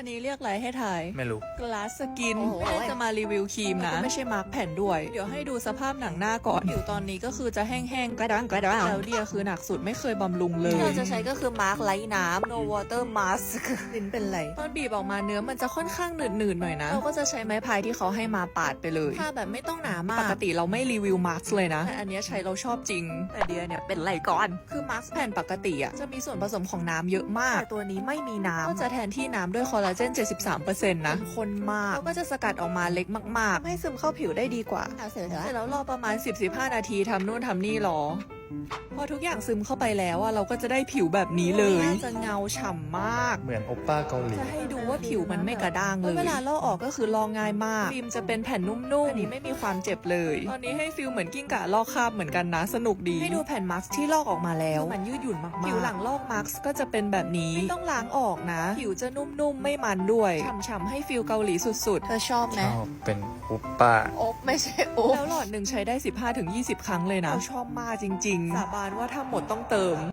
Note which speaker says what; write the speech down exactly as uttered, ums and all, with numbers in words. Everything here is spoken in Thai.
Speaker 1: นนี้เรียกอะไรให้ถ่าย
Speaker 2: ไม่รู้
Speaker 1: กลาสสกิน
Speaker 3: โอ้โห
Speaker 1: ไม่ได้จะมารีวิวครีมนะ ไม่ใช่มาร์กแผ่นด้วย เดี๋ยวให้ดูสภาพหนังหน้าก่อนผิวตอนนี้ก็คือจะแห้งๆกระด้างกระด้างแล้วเดียคือหนักสุดไม่เคยบำรุงเลย
Speaker 3: ที่เราจะใช้ก็คือมาร์กไร้น้ำ no water mask
Speaker 1: ลิ้นเป็นไรตอนบีบออกมาเนื้อมันจะค่อนข้างหนืดๆหน่อยนะเราก็จะใช้ไม้พายที่เขาให้มาปาดไปเลยถ้าแบบไม่ต้องหนามากปกติเราไม่รีวิวมาร์กเลยนะแต่อันเนี้ยใช้เราชอบจริงแต่เดียเนี่ยเป็นไรก่อนคือมาร์กแผ่นปกติอ่ะจะมีส่วนผสมของน้ำเยอะมากแต่ตัวนี้ไม่มีน้ำก็จะแทนที่น้ำด้วยคอลลาเจน เจ็ดสิบสามเปอร์เซ็นต์ นะข้นมากแล้วก็จะสกัดออกมาเล็กมากๆให้ซึมเข้าผิวได้ดีกว่า
Speaker 3: เอาเสร็จ
Speaker 1: เสร็จ
Speaker 3: แล้ว
Speaker 1: แล้วรอประมาณ สิบถึงสิบห้า นาทีทำนู่นทำนี่รอพอทุกอย่างซึมเข้าไปแล้วอะเราก็จะได้ผิวแบบนี้เลยจะเงาฉ่ำมาก
Speaker 2: เหมือนโอป้าเกาหลี
Speaker 1: จะให้ดูว่าผิวมันไม่กระด้างเลยเวลาลอกออกก็คือลอกง่ายมากฟิล์มจะเป็นแผ่นนุ่มๆอันนี้ไม่มีความเจ็บเลยตอนนี้ให้ฟิลเหมือนกิ้งก่าลอกคราบเหมือนกันนะสนุกดีให้ดูแผ่นมาร์กที่ลอกออกมาแล้วมันยืดหยุ่นมากๆผิวหลังลอกมาร์กก็จะเป็นแบบนี้ไม่ต้องล้างออกนะผิวจะนุ่มๆไม่มันด้วยฉ่ำๆให้ฟิลเกาหลีสุดๆ
Speaker 3: เธอชอบไหม
Speaker 2: ชอบเป็นโอป้า
Speaker 3: โอ๊บไม่ใช่โอ๊บ
Speaker 1: แล้วหลอดหนึ่งใช้ได้ สิบห้าถึงยี่สิบ ครั้งเลยนะชอบมากจริงๆ สาบานว่าถ้าหมดต้องเติม